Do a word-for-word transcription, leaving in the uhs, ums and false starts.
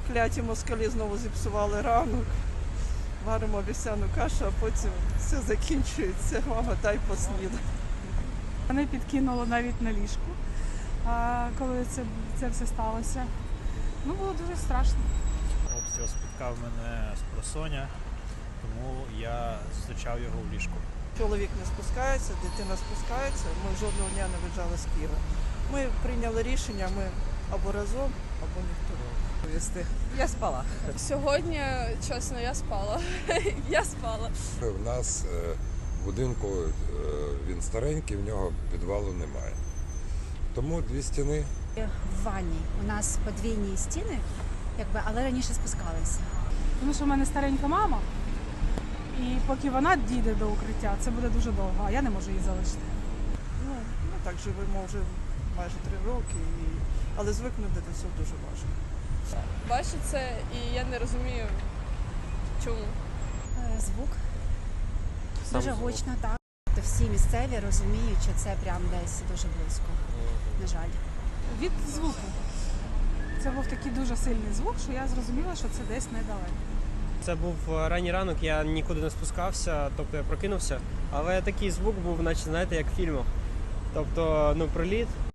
кляті москалі знову зіпсували ранок. Варимо вівсяну кашу, а потім все закінчується. Мама, дай поснідати. Мене підкинуло навіть на ліжку, а, коли це, це все сталося. Ну, було дуже страшно. Обстріл спіткав мене з просоня, тому я зустрічав його в ліжку. Чоловік не спускається, дитина спускається. Ми жодного дня не виїжджали з Києва. Ми прийняли рішення, ми або разом, або ніхто. Я спала. Сьогодні, чесно, я спала. Я спала. У нас е, в будинку е, він старенький, в нього підвалу немає. Тому дві стіни. В ванні у нас подвійні стіни, якби, але раніше спускалися. Тому що в мене старенька мама, і поки вона дійде до укриття, це буде дуже довго, а я не можу її залишити. Ну, ми так живемо вже майже три роки, і... але звикнути до цього дуже важко. Бачу це і я не розумію, чому. Е, Звук Сам дуже звук. гучно, так. То всі місцеві розуміють, що це прям десь дуже близько, на жаль. Від звуку. Це був такий дуже сильний звук, що я зрозуміла, що це десь недалеко. Це був ранній ранок, я нікуди не спускався, тобто я прокинувся. Але такий звук був, наче, знаєте, як в фільмах. Тобто, ну, приліт.